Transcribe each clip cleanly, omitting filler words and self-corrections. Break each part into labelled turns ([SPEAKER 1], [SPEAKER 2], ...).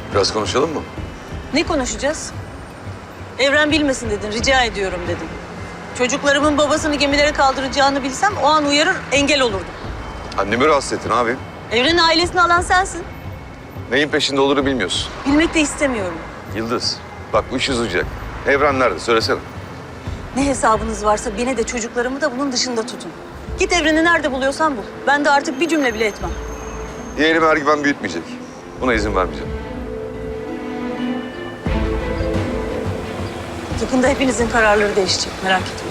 [SPEAKER 1] Biraz konuşalım mı?
[SPEAKER 2] Ne konuşacağız? Evren bilmesin dedin, rica ediyorum dedin. Çocuklarımın babasını gemilere kaldıracağını bilsem o an uyarır, engel olurdum.
[SPEAKER 1] Annemi rahatsız ettin abi.
[SPEAKER 2] Evren'in ailesini alan sensin.
[SPEAKER 1] Neyin peşinde olduğunu bilmiyorsun.
[SPEAKER 2] Bilmek de istemiyorum.
[SPEAKER 1] Yıldız, bak bu iş uzayacak. Evren nerede? Söylesene.
[SPEAKER 2] Ne hesabınız varsa beni de çocuklarımı da bunun dışında tutun. Git Evren'i nerede buluyorsan bul. Ben de artık bir cümle bile etmem.
[SPEAKER 1] Yeğenim Ergüven büyütmeyecek. Buna izin vermeyeceğim.
[SPEAKER 2] Yakında hepinizin kararları değişecek, merak etme.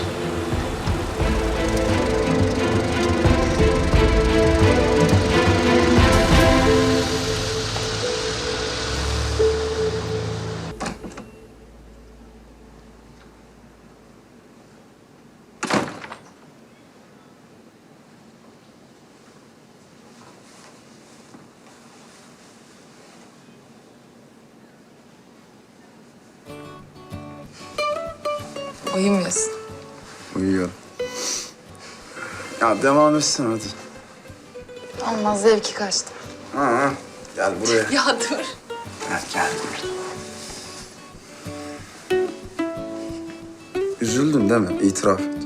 [SPEAKER 3] Uyumuyorsun.
[SPEAKER 4] Uyuyor. Ya devam etsin hadi.
[SPEAKER 3] Olmaz, zevki kaçtı.
[SPEAKER 4] Ha, gel buraya.
[SPEAKER 3] Ya dur.
[SPEAKER 4] Gel. Üzüldün değil mi? İtiraf et.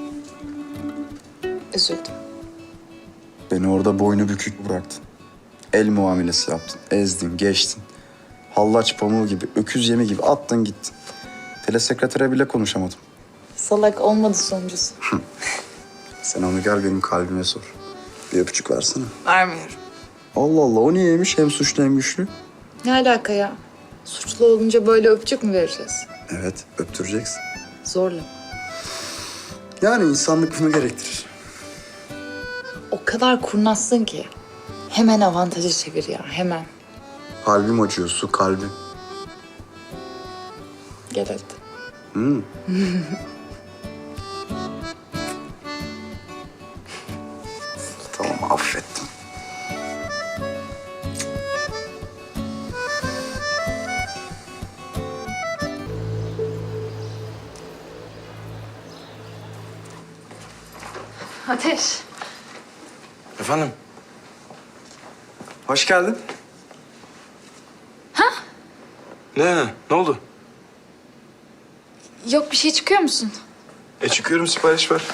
[SPEAKER 3] Üzüldüm.
[SPEAKER 4] Beni orada boynu bükük bıraktın. El muamelesi yaptın. Ezdin, geçtin. Hallaç pamuğu gibi, öküz yemi gibi attın gittin. Telesekretere bile konuşamadım.
[SPEAKER 3] Salak olmadı sonuncusu.
[SPEAKER 4] Sen onu gel benim kalbime sor. Bir öpücük versene.
[SPEAKER 3] Vermiyorum.
[SPEAKER 4] Allah Allah, o niyeymiş? Hem suçlu hem güçlü.
[SPEAKER 3] Ne alaka ya? Suçlu olunca böyle öpücük mü vereceğiz?
[SPEAKER 4] Evet, öptüreceksin.
[SPEAKER 3] Zorla.
[SPEAKER 4] Yani insanlık bunu gerektirir.
[SPEAKER 3] O kadar kurnazsın ki. Hemen avantajı çevir ya, hemen.
[SPEAKER 4] Kalbim acıyor, su kalbim.
[SPEAKER 3] Gel hadi.
[SPEAKER 4] Tamam, affettim.
[SPEAKER 3] Ateş.
[SPEAKER 5] Efendim?
[SPEAKER 4] Hoş geldin.
[SPEAKER 5] Ne oldu?
[SPEAKER 3] Yok bir şey, çıkıyor musun?
[SPEAKER 5] Çıkıyorum, sipariş ver.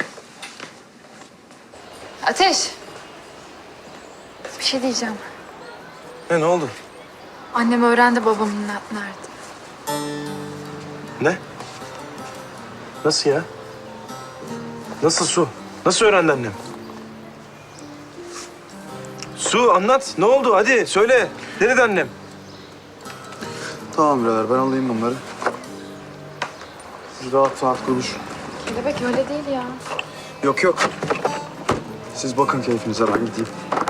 [SPEAKER 3] Ateş. Bir şey diyeceğim.
[SPEAKER 5] Ne oldu?
[SPEAKER 3] Annem öğrendi babamın nerede.
[SPEAKER 5] Ne? Nasıl ya? Nasıl Su? Nasıl öğrendi annem? Su anlat. Ne oldu? Hadi söyle. Ne dedi annem?
[SPEAKER 4] Tamam birader, ben alayım bunları. Siz rahat konuşun.
[SPEAKER 3] Kelebek öyle değil ya.
[SPEAKER 4] Yok. Siz bakın keyfinize, ben gideyim.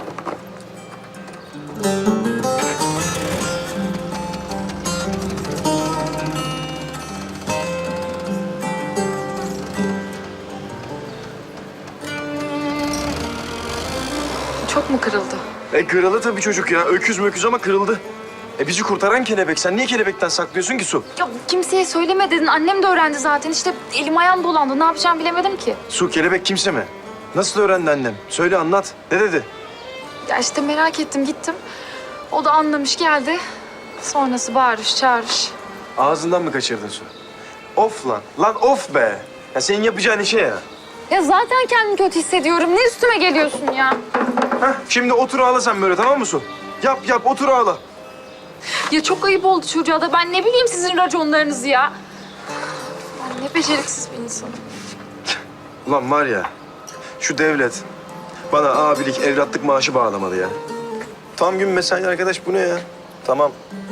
[SPEAKER 3] Çok mu kırıldı?
[SPEAKER 5] Kırıldı tabii çocuk ya. Öküz möküz ama kırıldı. Bizi kurtaran kelebek. Sen niye kelebekten saklıyorsun ki Su?
[SPEAKER 6] Ya kimseye söyleme dedin. Annem de öğrendi zaten. İşte elim ayağım dolandı. Ne yapacağımı bilemedim ki.
[SPEAKER 5] Su, kelebek kimse mi? Nasıl öğrendi annem? Söyle, anlat. Ne dedi?
[SPEAKER 6] Ya işte merak ettim, gittim. O da anlamış, geldi. Sonrası bağırış çağırış.
[SPEAKER 5] Ağzından mı kaçırdın Su? Of lan. Lan of be. Ya senin yapacağın işe ya.
[SPEAKER 6] Ya zaten kendimi kötü hissediyorum. Ne üstüme geliyorsun ya?
[SPEAKER 5] Şimdi otur ağla sen böyle, tamam mı Su? Yap otur ağla.
[SPEAKER 6] Ya çok ayıp oldu çocuğa da. Ben ne bileyim sizin raconlarınızı ya. Ben ne beceriksiz bir insanım.
[SPEAKER 5] Ulan var ya, şu devlet bana abilik, evlatlık maaşı bağlamalı ya. Tam gün mesai arkadaş, bu ne ya? Tamam.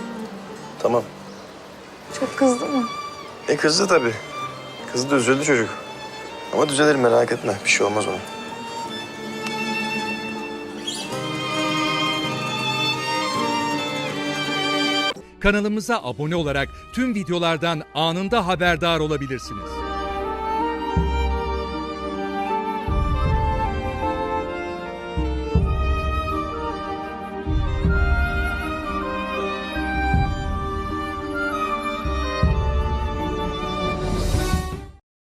[SPEAKER 6] Çok kızdı mı?
[SPEAKER 5] Kızdı tabii. Kızdı, üzüldü çocuk. Ama düzelir, merak etme. Bir şey olmaz ona.
[SPEAKER 7] Kanalımıza abone olarak tüm videolardan anında haberdar olabilirsiniz.